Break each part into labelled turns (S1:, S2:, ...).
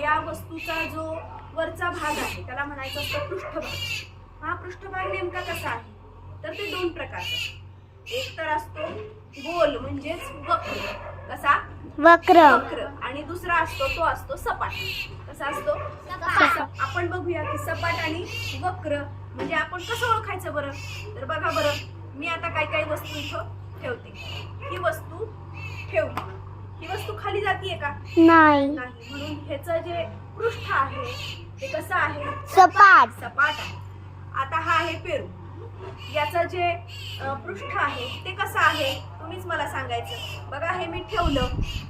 S1: या वस्तूचा जो वरचा भाग आहे त्याला म्हणायचं असतं पृष्ठभाग। हा पृष्ठभाग नेमका कसा आहे तर ते दोन प्रकारचे, एक तर असतो गोल म्हणजेच वक्र, कसा
S2: वक्र
S1: वक्र, आणि दुसरा असतो तो असतो सपाट। कसा असतो आपण बघूया की सपाट आणि वक्र म्हणजे आपण कसं ओळखायचं बरं, तर बघा बरं, मी आता काही वस्तू इथं ठेवते, ही वस्तू ठेवली, ही वस्तू खाली जातीये का
S2: नाही,
S1: म्हणून ह्याचं जे पृष्ठ आहे ते कसं आहे
S2: सपाट
S1: सपाट आहे। आता हा आहे पेरू, याचं जे पृष्ठ आहे ते कसं आहे तुम्हीच मला सांगायचं। बघा हे मी ठेवलं,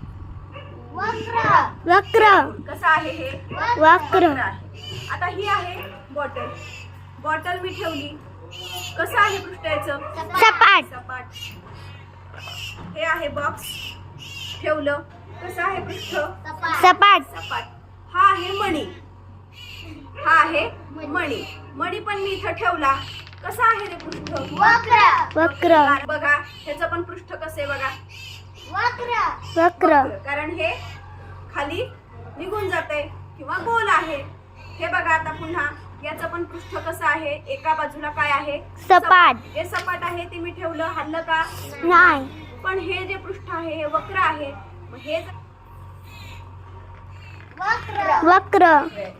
S2: वक्र
S1: कसं आहे हे
S2: वक्र
S1: आहे। आता ही आहे बॉटल, बॉटल मी ठेवली, कसं आहे पृष्ठ याचं
S2: सपाट
S1: सपाट। हे आहे बॉक्स, ठेवलं, कसं आहे पृष्ठ
S2: सपाट
S1: सपाट। हा आहे मणी, हा आहे मणी, मणी पण मी इथं ठेवला, कसा आहे रे पृष्ठ
S2: वक्र
S1: बघा ह्याचं पण पृष्ठ कसं आहे बघा
S2: वक्र
S1: कारण हे खाली निघून जाते किंवा गोल आहे। हे बघा आता पुन्हा याचं पण पृष्ठ कसं आहे, एका बाजूला काय आहे
S2: सपाट,
S1: जे सपाट आहे ते मी ठेवलं, हल्लं का
S2: नाही,
S1: पण हे जे पृष्ठ आहे हे वक्र आहे, मग हे
S2: वक्र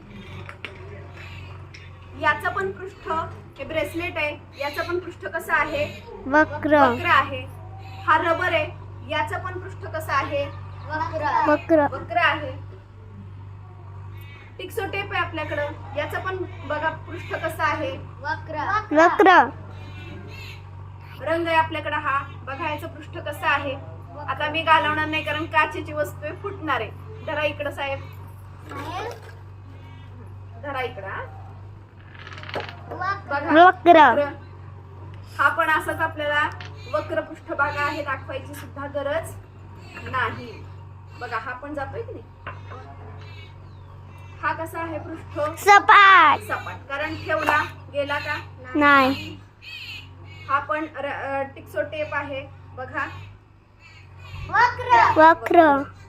S1: याचं पण पृष्ठ, हे ब्रेसलेट आहे, याचं पण पृष्ठ कसं आहे
S2: वक्र
S1: वक्र आहे। हा रबर आहे, याचं पण पृष्ठ कसं आहे
S2: वक्र
S1: वक्र आहे। टिक्सो टेप आहे आपल्याकडं, याचं पण बघा पृष्ठ कसं आहे
S2: वक्र
S1: रंग आहे आपल्याकडं, हा बघा याचं पृष्ठ कसं आहे। आता मी घालवणार नाही कारण काचेची वस्तू आहे, फुटणार आहे। धरा इकडं साहेब, धरा इकडं, बघा
S2: वक्र
S1: हा पण असाच आपल्याला वक्र पृष्ठभाग आहे, दाखवायची सुद्धा गरज नाही। बघा हा पण जातोय की नाही, हा कसा आहे पृष्ठ
S2: सपाट
S1: सपाट कारण ठेवला गेला का
S2: नाही,
S1: हा पण टिक्सो टेप आहे बघा
S2: वक्र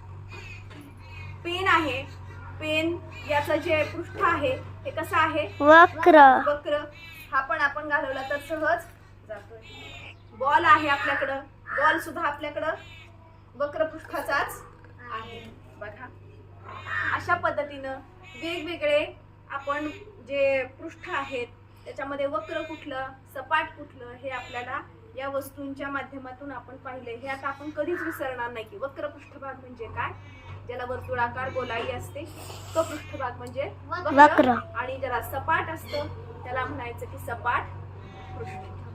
S1: पेन आहे, पेन याचं जे पृष्ठ आहे ते कसं आहे
S2: वक्र
S1: वक्र, हा पण आपण घालवला तर सहज जातोय। बॉल आहे आपल्याकडं, बॉल सुद्धा आपल्याकडं वक्र पृष्ठाचाच आहे बघा। अशा पद्धतीनं वेगवेगळे आपण जे पृष्ठ आहेत त्याच्यामध्ये वक्र कुठलं सपाट कुठलं हे आपल्याला या वस्तूंच्या माध्यमातून आपण पाहिले। हे आता आपण कधीच विसरणार नाही की वक्र पृष्ठभाग म्हणजे काय, ज्याला वर्तुळाकार गोलाई असते तो पृष्ठभाग म्हणजे
S2: वक्र,
S1: आणि ज्याला सपाट असतं त्याला म्हणायचं की सपाट पृष्ठ।